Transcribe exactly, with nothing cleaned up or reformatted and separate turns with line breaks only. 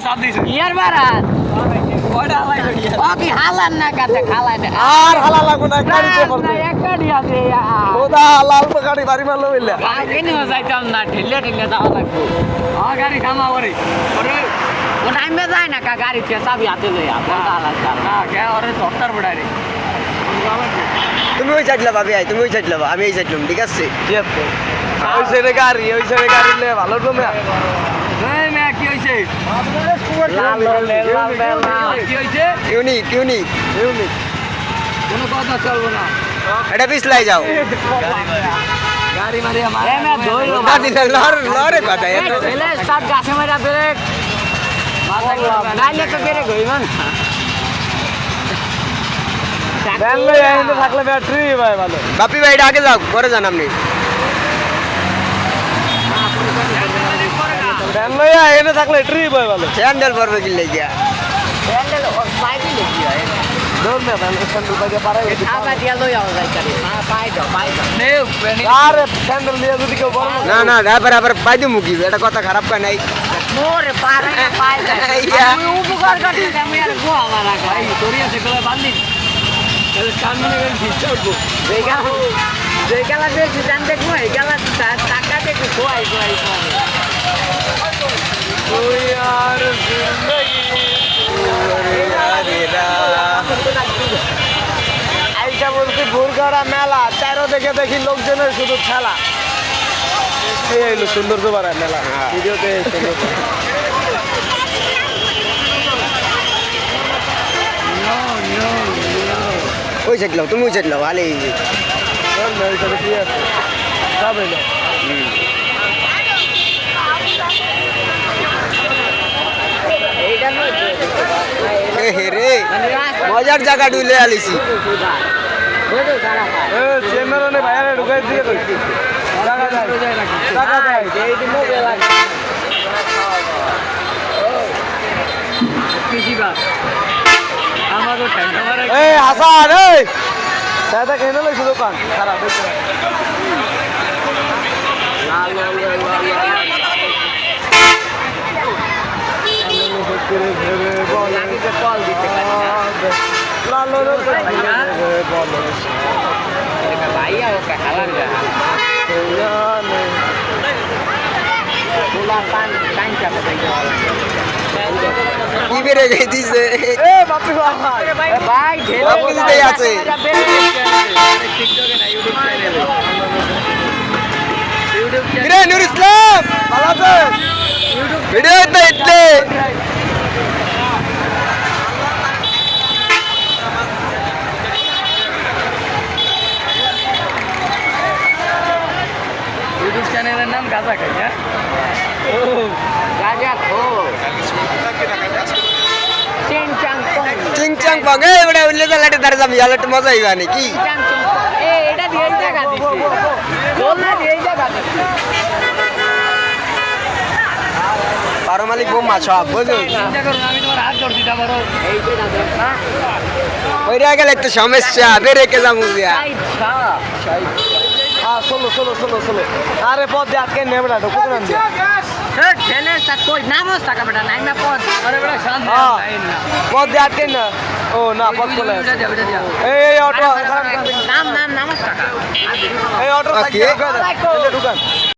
ইয়ার বারাত ওকে Haaland না কাতে খালাই না
আর হালা লাগো না গাড়িতে পড়তে
একটা দিয়া দে
ওদা লাল গাড়ি বাড়ি মারলো বললা
আগে নিয়ে যাইতাম না ঢিলে ঢিলে যাওয়া লাগবে ও গাড়ি থামা ওরে ওরে ও টাইমে যায় না কা গাড়ি তে চাবি হাতে লইয়া বলটা হালা না কে ওরে ধরতার বড়া রে
তুমি ওই সাইড লাবা ভাই তুমি ওই সাইড লাবা আমি এই সাইড লাম ঠিক আছে
ওই সাইডে গাড়ি ওই সাইডে গাড়ি লে ভালো তুমি
এই মে কি হইছে লাল লাল লাল কি হইছে
ইউনিক ইউনিক
ইউনিক
কোনো কথা চলবো না
এটা পিছলাই যাও
গাড়ি মারি আমার এ মে ধইলো
গাড়ি লর লরে কথা এ
এলে স্টার্ট গাছে মারা ব্রেক নাইলে তো ব্রেক হইব না
ব্যান লই আইতে থাকলে ব্যাটারি ভাই ভালো
বাপি ভাই এটা আগে যাও পরে যান আপনি
ব্যান লই আইতে থাকলে ট্রি ভাই ভালো
স্যান্ডেল পরবে কি লাগিয়া
স্যান্ডেল পাইবি নাকি
দৌড় না ব্যান স্যান্ডেল বাগে পারে
আগা দিয়া লই আও যাই কারি পাই দাও পাই দাও নে
আর স্যান্ডেল নিয়ে যদি কেউ বড়
না না তারপর আবার পাই দিমু কি এটা কথা খারাপ কয় নাই
মোরে পারে পাই যায় আমি উপকার করতে আমি আর গো আমার ভাই তোরি আছে গলা বাঁধি তাহলে কান মনে করে ভিড়তে উঠবো যেগা যেগালা দেখছি জান দেখবো এগালা টাকা দেখবি খোয়াই খোয়াই
তুই আর আইসা বলছি ভোরগড়া মেলা চারো দেখে দেখি লোকজনের শুধু খেলা এই হইলো সৌন্দর্য বাড়ায় মেলা ভিডিওতে সুন্দর
ওই সাইড লাও তুমি ওই সাইড লাও ভালো হে রে মজার জায়গা ডুলে আলিছি
চেম্বারে বাইরে ঢুকাই দিয়ে তো টাকা দেয় টাকা দেয় এই দিন এই হাসান এই দাদা কেন লইছো দোকান খারাপ হইছে
ভাইয়া ওকে হালার যা তোলা পান টাইম চাপে
কি বেরে গই দিছে
এ বাপি ভাই
ভাই
বাপু দিতেই আছে
টিকটকে না ইউটিউব চ্যানেলে ইউটিউব
কিরে নূর ইসলাম ভালো আছে ভিডিও তো ইতলে
ইউটিউব চ্যানেলের নাম গাজা খাই হ্যাঁ গাজা খো চিংচাং পং
চিংচাং পাগে এবারে উল্লে লাটে দাঁড়ে যাবি আলাটে মজা হইবা নাকি
চিংচাং পং এ এটা দিয়ে জায়গা দিছি বলনা দিয়ে জায়গা দিছি
পারমালিক বোমা সব বুঝো
চিন্তা করুন আমি তোমার হাত ধরছি তা বড় এই যে না দেখ না
ওইরা গেলে তো সমস্যা বেরে কে যামু দিয়া
আচ্ছা
হ্যাঁ চলো চলো চলো চলো আরে পথ দিয়ে আটকে নেবে না ঢুকুন না
হ্যাঁ ছেলে সাথ কই নামস টাকা বেটা নাই না পদ আরে বেটা শান্ত
হ্যাঁ
নাই না
পথ দিয়ে আটকে না ও না পথ চলে
এটা দিয়া এটা দিয়া
এই এই অটো
নাম নাম নামস টাকা
এই অটো
কি?
ঢুকান